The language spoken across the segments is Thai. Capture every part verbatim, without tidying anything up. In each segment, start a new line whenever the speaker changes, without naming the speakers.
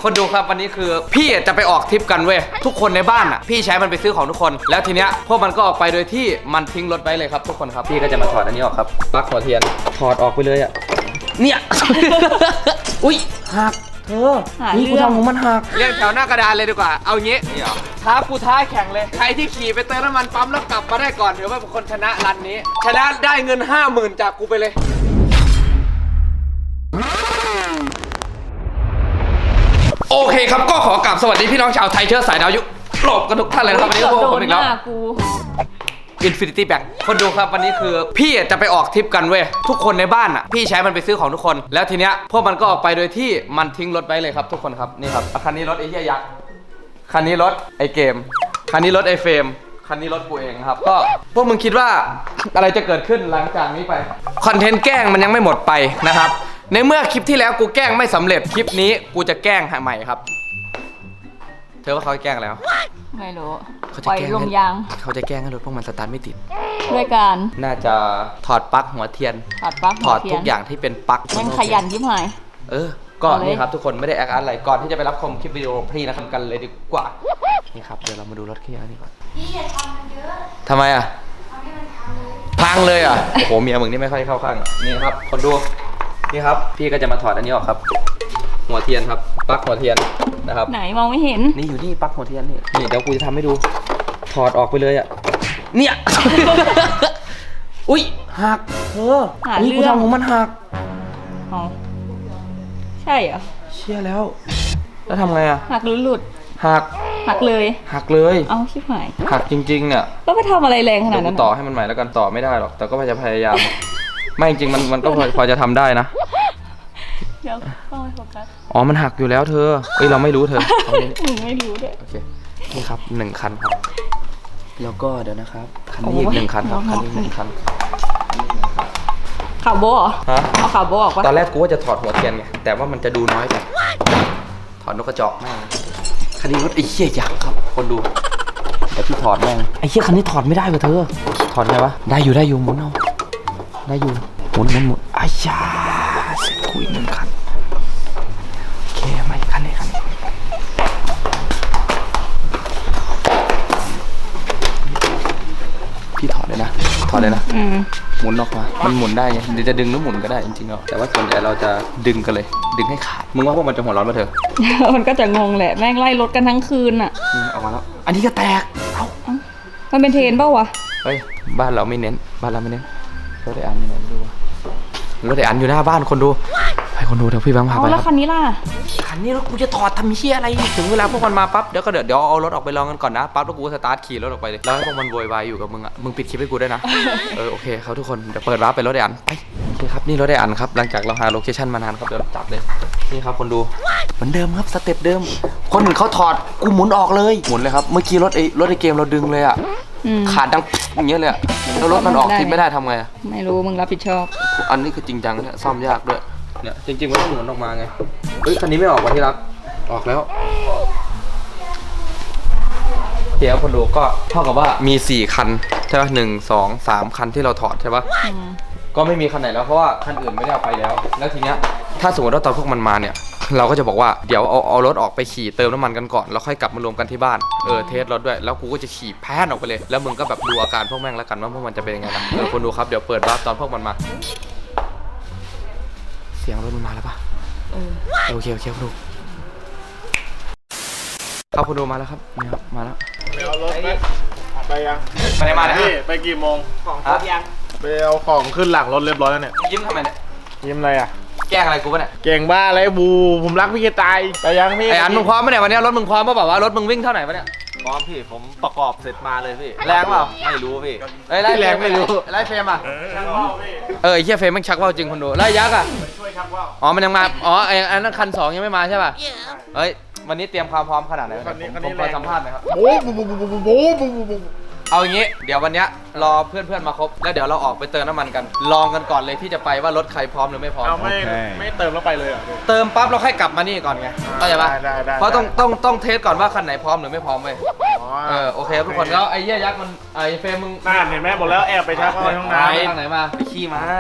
คนดูครับวันนี้คือพี่จะไปออกทริปกันเว้ยทุกคนในบ้านอ่ะพี่ใช้มันไปซื้อของทุกคนแล้วทีเนี้ยพวกมันก็ออกไปโดยที่มันทิ้งรถไว้เลยครับทุกคนครับพี่ก็จะมาถอดอันนี้ออกครับปลั๊กหัวเทียนถอดออกไปเลยอ่ะเนี่ย อุ้ยหักเธอนี่กูทำของมันหักเรียกแถวหน้ากระดานเลยดีกว่าเอางี้ท้ากูท้าแข่งเลยใครที่ขี่ไปเติมน้ำมันปั๊มแล้วกลับมาได้ก่อนถือว่าเป็นคนชนะรันนี้ชนะได้เงินห้าหมื่นจากกูไปเลยโอเคครับก็ขอกราบสวัสดีพี่น้องชาวไทยเชื้อสายดาวยุโรปกันทุกท่านเลยนะครับวันนี้พวกผมอีกแล้วInfinity Bank คนดูครับวันนี้คือพี่จะไปออกทริปกันเว้ยทุกคนในบ้านอ่ะพี่ใช้มันไปซื้อของทุกคนแล้วทีเนี้ยพวกมันก็ออกไปโดยที่มันทิ้งรถไว้เลยครับทุกคนครับนี่ครับคันนี้รถไอ้เหี้ยยักษ์คันนี้รถไอ้เกมคันนี้รถไอ้เฟรมคันนี้รถกูเองครับก็พวกมึงคิดว่าอะไรจะเกิดขึ้นหลังจากนี้ไปคอนเทนต์แกล้งมันยังไม่หมดไปนะครับในเมื่อคลิปที่แล้วกูแกล้งไม่สำเร็จคลิปนี้กูจะแกล้งใหม่ครับเธอว่าเขาแกล้งแล้ว
ไม่รู้
เขาจะแกล้งลมยางเขาจะแกล้งให้รถพวกมันสตาร์ทไม่ติด
ด้วยการ
น่าจะถอดปลั๊กหัวเทียน
ถอดปลั๊ก
ถอดทุกอย่างที่เป็นปลั๊ก
มันขยันยิ่งหาย
เออก่อนนี่ครับทุกคนไม่ได้แอคอาร์ตอะไรก่อนที่จะไปรับชมคลิปวิดีโอพี่นะครับกันเลยดีกว่านี่ครับเดี๋ยวเรามาดูรถแค่นี้ก่อนพี่อย่าทำมันเยอะทำไมอ่ะทำให้มันพังเลยพังเลยอ่ะโอ้โหเมียมึงนี่ไม่ค่อยเข้าข้างนี่ครับคนดูนี่ครับพี่ก็จะมาถอดอันนี้ออกครับหัวเทียนครับปลั๊กหัวเทียนนะครับ
ไหนมองไม่เห็น
นี่อยู่นี่ปลั๊กหัวเทียนนี่นี่เดี๋ยวกูจะทำให้ดูถอดออกไปเลยอ่ะเนี่ย อุ้ยหักเธอนี่กูทำของมันหัก
อ๋อใช่เหรอ
เชี่ยแล้วแล้วทำไงอ่ะ
หักหรือหลุด
หัก
หักเลย
หักเลย
เอาชิบหาย
หักจริงๆเนี่ย
แล้วไปทำอะไรแรงขนาดนั้น
ต่อให้มันใหม่แล้วกันต่อไม่ได้หรอกแต่ก็จะพยายามไม่จริงมันมันก็พอจะทำได้นะ
เดี๋ยวต้องไปโฟกัส
อ๋อมันหักอยู่แล้วเธอเอ้ยเราไม่รู้เธอ
มึงไม่รู้ด้วย
โอเคนี่ครับหนึ่งคันครับแล้วก็เดี๋ยวนะครับคันนี้อีกหนึ่งคันครับคันนี้หนึ่งคัน
ข่าวโบเหรอฮะเอาข่าวโบออกปะ
ตอนแรกกูว่าจะถอดหัวเทียนไงแต่ว่ามันจะดูน้อยไปถอดนกกระจอกแม่งคันนี้รถไอ้เหี้ยยักษ์ครับคนดูเดี๋ยวพี่ถอดแม่งไอ้เหี้ยคันนี้ถอดไม่ได้ว่ะเธอถอดไงวะได้อยู่ได้อยู่หมุนเอาได้อยู่หมุนหมุนหมุนอ้ยาเสร็จกูอีกหนึ่งคันโอเคมาอีกคันนี้คันนี้พี่ถอดเลยนะถอดเลยนะหมุนออกมามันหมุนได้ไงเดี๋ยวจะดึงหรือหมุนก็ได้จริงๆแล้วแต่ว่าส่วนใหญ่เราจะดึงกันเลยดึงให้ขาดมึงว่าพวกมันจะหัวร้อนมาเถอะ
มันก็จะงงแหละแม่งไล่รถกันทั้งคืนอ่ะ
ออกมาแล้วอันนี้ก็แตกเอ้า
มันเป็นเทรนเปล่าวะ
เฮ้ยบ้านเราไม่เน้นบ้านเราไม่เน้นรถไอ้อันยังไงไม่รู้รถไอ้อันอยู่หน้าบ้านคนดูไปคนดูเถอะพี่บังพาไป
แล้วคันนี้ล่ะ
คันนี้รถกูจะถอดทำเชี่ยอะไรถึงเวลาพวกมันมาปั๊บเดี๋ยวก็เดี๋ยวเดี๋ยวเอารถออกไปลองกันก่อนนะปั๊บแล้วกูสตาร์ทขี่รถออกไปเลยแล้วให้พวกมันโวยวายอยู่กับมึงอ่ะมึงปิดคลิปให้กูด้วยนะเออโอเคครับทุกคนเดี๋ยวเปิดวาร์ปไปรถไอ้อันไปนี่ครับนี่รถไอ้อันครับหลังจากเราหาโลเคชั่นมานานครับเดี๋ยวจับเลยนี่ครับคนดูเหมือนเดิมครับสเต็ปเดิมคนอื่นเขาถอดกูหมุนออกเลยหมุนเลยครับเมื่อกี้รถไอ้รถไอ้เกมเราดึงเลยอ่ะขาดดังอย่างเงี้ยเลยอ่ะแล้วรถมันออกทิศไม่ได้ทำไงอ่ะ
ไม่รู้มึงรับผิดชอบ
อันนี้คือจริงจังเนี่ยซ่อมยากด้วยเนี่ยจริงๆมันต้องหมุนออกมาไงเฮ้ยคันนี้ไม่ออกวะที่รักออกแล้วเดี๋ยวคนดูก็เท่ากับว่ามีสี่คันใช่ป่ะหนึ่งสองสามคันที่เราถอดใช่ป่ะก็ไม่มีคันไหนแล้วเพราะว่าคันอื่นไม่ได้เอาไปแล้วแล้วทีเนี้ยถ้าสมมติว่าตอนพวกมันมาเนี่ยเราก็จะบอกว่าเดี๋ยวเอาเอารถออกไปขี่เติมน้ำมันกันก่อนแล้วค่อยกลับมารวมกันที่บ้านเออเทสรถด้วยแล้วกูก็จะขี่แพ้นออกไปเลยแล้วมึงก็แบบดูอาการพวกแม่งแล้วกันว่าพวกมันจะเป็นยังไงนะเออคนดูครับเดี๋ยวเปิดวาร์ปตอนพวกมันมาเสียงรถมันมาแล้วป่ะเออโอเคโอเคคุณดูครับคุณดูมาแล้วครับนี่ครับมาแล้ว
ไปเอารถไหมไปยัง
ไปไหนมาเนี่ย
พี่ไปกี่โมง
ของครบยัง
ไปเอาของขึ้นหลังรถเรียบร้อยแล้วเนี่ย
ยิ้มทำไมเนี่ย
ยิ้มอะไรอ่ะ
แกล้งอะไรกูป่ะเนี่ย
เก่งบ้าอะไรบูผมรักพี่จะตายไปยังพี่
ไอ้อันมึงพร้อมไหมเนี่ยวันนี้รถมึงพร้อมป่ะแบบว่ารถมึงวิ่งเท่าไหร่ป่ะเนี่ย
พร้อมพี่ผมประกอบเสร็จมาเลยพี่
แรงเปล่า
ไม่รู้พี่
ไอ้ไล่แรงไม่รู้ไล่เฟรมอ่ะเออไอ้เหี้ยเฟรมมันชักว่าวจริงคนดูไล่ยักษ์อ่ะ
ช่วยชักว่าว
อ๋อมันยังมาอ๋อไอ้อันนั้นคันสองยังไม่มาใช่ป่ะเฮ้ยวันนี้เตรียมความพร้อมขนาดไหนผมขอสัมภาษณ์หน่อยครับ
โอ้โหโอ้โหโอ้โหโอ้โห
เอาอย่างงี้เดี๋ยววันนี้รอเพื่อนๆมาครบแล้วเดี๋ยวเราออกไปเติมน้ำมันกันลองกันก่อนเลยที่จะไปว่ารถใครพร้อมหรือไม่พร้อม
เอาไม่ไม่เติมแล้วไปเลยเหรอ
เติมปั๊บเราค่อยกลับมานี่ก่อนไงเข้าใจปะเพราะต้องต้องต้องเทสก่อนว่าคันไหนพร้อมหรือไม่พร้อมเว้ยเออโอเคทุกคนแล้วไอ้เหี้ยยักษ์มันไอ้เฟรมมึง
น่าเห็นไหมบอกแล้วแอบไปชักว่าวในห้องน้ำ
ทางไหนมาไปขี่มา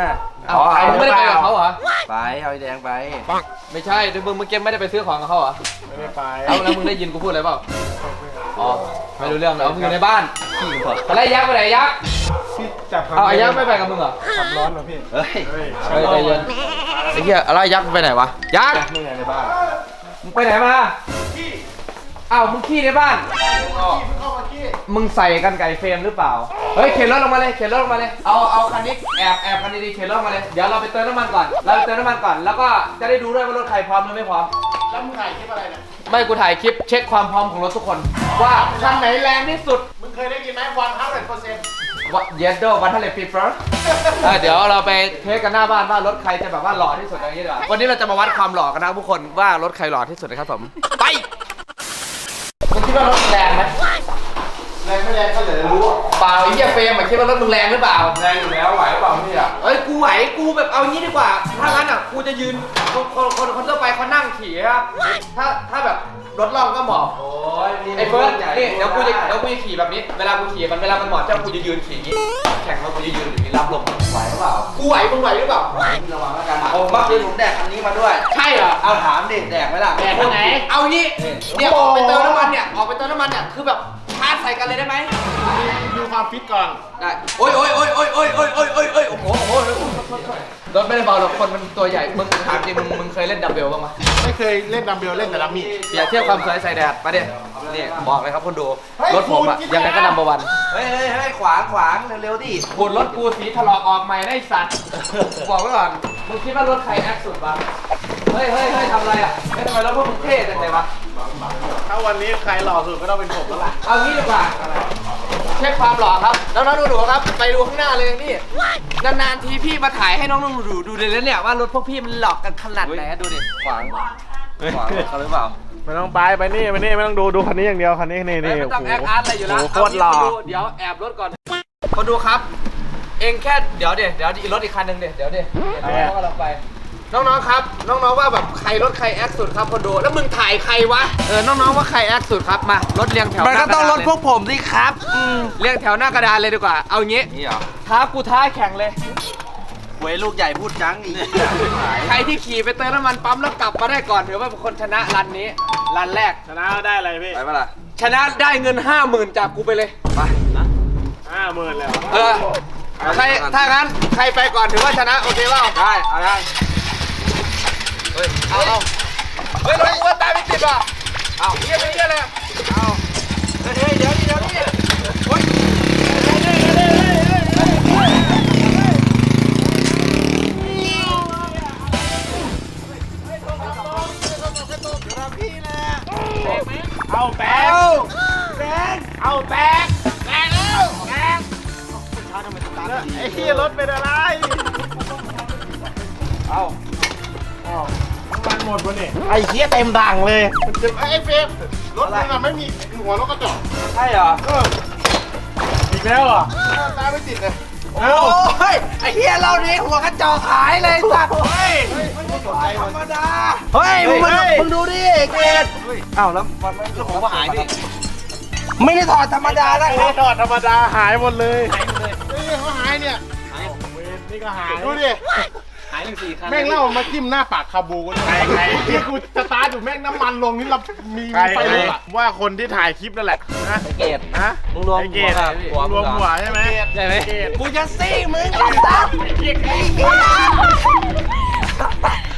อ้าวไอ้มึงไม่ได้ไปกับเขาเหรอ
ไปเอาไอ้แดงไป
ไม่ใช่เดี๋ยวมึงเมื่อกี้ไม่ได้ไปซื้อของกับเขาเหรอ
ไม่ได้ไป
เอาแล้วมึงได้ยินกูพูดอะไรเปล่าอ๋อไม่รู้เรื่องแล้วมึงอยู่ในบ้านอะไรยักษ์ไปไหนยักษ์
พี่จับ
เอาไอ้ยักษ์ไม่ไปกับมึงเหรอ
ขับร้อนเหรอพี่
เฮ้ย
เฮ้ย
เฮ้ยใจเย็นไอ้เหี้ยอะไรยักษ์ไปไหนวะยักษ์
นี่ไงในบ้าน
มึงไปไหนมาอ้าวมึงขี้ในบ้าน
เข้ามาขี้
มึงใส่กันไก่เฟรมหรือเปล่า เฮ้ยเข็นรถลงมาเลยเข็นรถลงมาเลย เอาเอาคันนี้แอบแอบคันดีๆเข็นรถลงมาเลย เดี๋ยวเราไปเติมน้ำมันก่อน เราไปเติมน้ำมันก่อน แล้วก็จะได้ดูด้วยว่ารถใครพร้อมหรือไม่พร้อม
แล้วมึงถ่ายคลิปอะไรเนี่ย
ไม่กูถ่ายคลิปเช็คความพร้อมของรถทุกคน ว่าคันไหนแรงที่สุด
มึงเคยได้ยินไหมวันห้าสิบเปอร์เซ็นต์
ว่าเยสโดวันทะเลฟีเฟอร์เดี๋ยวเราไปเทสกันหน้าบ้านว่ารถใครจะแบบว่าหล่อที่สุดอย่างนี้ดีกว่าวันนี้เราจะมาวัดความหล่อกันนะทุกคนว่ารถใครหล่อที่สุดนะครับผม ไปมึงคิดว่ารถแรงไหม
แรงไม่แรงก็เหลือรู้
เปล่าไอ้เหี้ยเฟรมอะคิดว่ารถมึงแรงหรือเปล่า
แรงอยู่แล้วไหวเปล่าพี่อ่ะ
เอ้ยกูไหวกูแบบเอางี้ดีกว่า ถ้างั้นอ่ะกูจะยืนคนคนคนคนทั่วไปเขานั่งขี่ครับถ้าถ้าแบบรถล่องก็เหมาะ
โอ้ย
ไอ้เฟิร์สนี่เดี๋ยวกูจะเดี๋ยวกูจะขี่แบบนี้เวลากูขี่มันเวลามันเหมาะเจ้ากูจะยืนขี่อย่างนี้แข่งแล้วกูจะยืนอย่างนี้รับลมไหวหรือเปล่ากูไหวมึงไหวหรือเปล่า
ระวังแล้วกันโอ้เมื่อคืนผมแดกคันนี้มาด้วย
ใช่เหรอ
เอาถามดิแดกไหมล่ะ
แดกคันไหน
เอางี้เนี่ยออกไปเติมน้ำมันเนี่ยออกไปเติมน้ำมันเนี่ยคือแบบชาร์จใส่กันเลยได้ไหม
ดูความฟิตก่อน
ได้โอ้ยโอ้ยโอ้ยโอ้ยโอ้ยโอ้ยโอ้ยโอ้ยโอ้ยโอ้โหโอ้โหรถไม่ได้เบาหรอกคนมันตัวใหญ่มึงถามจริงมึงมึงเคยเล่นดัมเบลบ้างไหม
ไม่เคยเล่นดัมเบลเล่นแต่ดัมมี่
เปรียบเทียบความสวยใส่แดดมาดินี่บอกเลยครับคนดูรถผมอะยังไงก็นัมเบอร์วัน
เฮ้ยเฮ้ยเฮ้ยขวางขวางเร็วๆดิ
ขูดรถกูสีถลอกออกใหม่ได้สัตว์บอกไว้ก่อนมึงคิดว่ารถใครแอคสุดวะเฮ้ยเฮ้ยเฮ้ยทำอะไรอ่ะเฮ้ยทำไมรถพวกมึงเท่จังเลยวะ
ถ้าวันนี้ใครหล่อสุดก็ต้องเป็นผมแล้วล่ะ
เอางี้ดีกว่าเช็คความหล่อครับน้องๆดูๆครับไปดูข้างหน้าเลยนี่นานๆทีพี่มาถ่ายให้น้องๆดูๆดูเลยแล้วเนี่ยว่ารถพวกพี่มันหลอกกันขนาดไหนดูดิ
ขวางขวางเขาหรือเปล่า
ไม่ต้องไปไปนี่ไปนี่ไม่ต้องดูดูคันนี้อย่างเดียวคันนี้นี่นี่
ไม่ต้องแอคอาร์ตอะไรอยู่แล้ว
โอ้โหโคตรหล่อ
เางี้คนดูเดี๋ยวแอบรถก่อนคนดูครับ เองแค่เดี๋ยวเดี๋ยวเดี๋ยวอีกรถอีกคันหนึ่งเดี๋ยวเดี๋ยวเดี๋ยวน้องๆกำลังไป น้องๆครับ น้องๆว่าแบบใครรถใครแอคสุดครับคนดูแล้วมึงถ่ายใครวะเออน้องๆว่าใครแอคสุดครับมารถเรียงแถว
มันก็ต้องรถพวกผมสิครับอืม
เรียงแถวหน้ากระดานเลยดีกว่าเอางี้
นี่เหรอ
ท้ากูท้าแข่งเลย
หวยลูกใหญ่พูดจังอีก
ใครที่ขี่ไปเติมน้ำมันปั๊มแล้วกลับมาได้ก่อนถือว่าเป็นคนชนะรันนี้รันแรก
ชนะได้อะไรพี่
ไปปะล่ะ
ชนะได้เงินห้าหมื่นจากกูไปเลย
ไปนะ
ห้าหมื่นเลยเหรอ
เออใครถ้างั้นใครไปก่อนถือว่าชนะโอเคเปล่า
ได้เอาได้
เฮ้ยเอาเอาเฮ้ยรถกูว่าตายไม่ติดว่ะเอาเยี่ยมเยี่ยมเลยเอา
เฮ้ยเดี๋ยวนี่เดี๋ยวนี่
โอ๊ย
เอาแบงแบงเอาแบงแบงแล้วแบงไอ้ที่รถเป็นอะไร
เอา
อ้าวน้ำมันหมดวะเนี่ยไอ้เหี้ยเต็มถังเลยมันจะไอ้เฟรมรถมึงอะไม่มีหัวรถกระจก
ใช่เหรอ
เอออีกแล้วเหรอตาไม่ติดเลย
โอ้ยไอ้เหี้ยเรานี่หัวกระจอกหายเลยสัตว์
เฮ้ยไม่ได้สนใจ
ธร
มัน
รมดาเฮ้ยมึงมามึงดูดิเกดอ้าวแล้วมันไม่ผมก็หายดิไม่ได้ถอดธรรมดานะค
ไม่
รับ
ถอดธรรมดาหายหมดเลยหายหมดเลยนี่เขาหายเนี่ยเวรนี่ก็หายดูดิ
หายหนึ่งสี่คัน
แม่งเล่ามาจิ้มหน้าปากคาบูกันใครใครที่กูสตาร์ทอยู่แม่งน้ำมันลงนี่เรามีไฟลุกอะว่าคนที่ถ่ายคลิปนั่นแหละนะ
เกด
ฮะ
มึงรวม
ไอ้เก
หัว
ด
กับหัว
รวมหัวใช่ไหม
ใช่ไหม
เกด
กูจะซี่มึงไอ้สัตว์
ไอ้เกด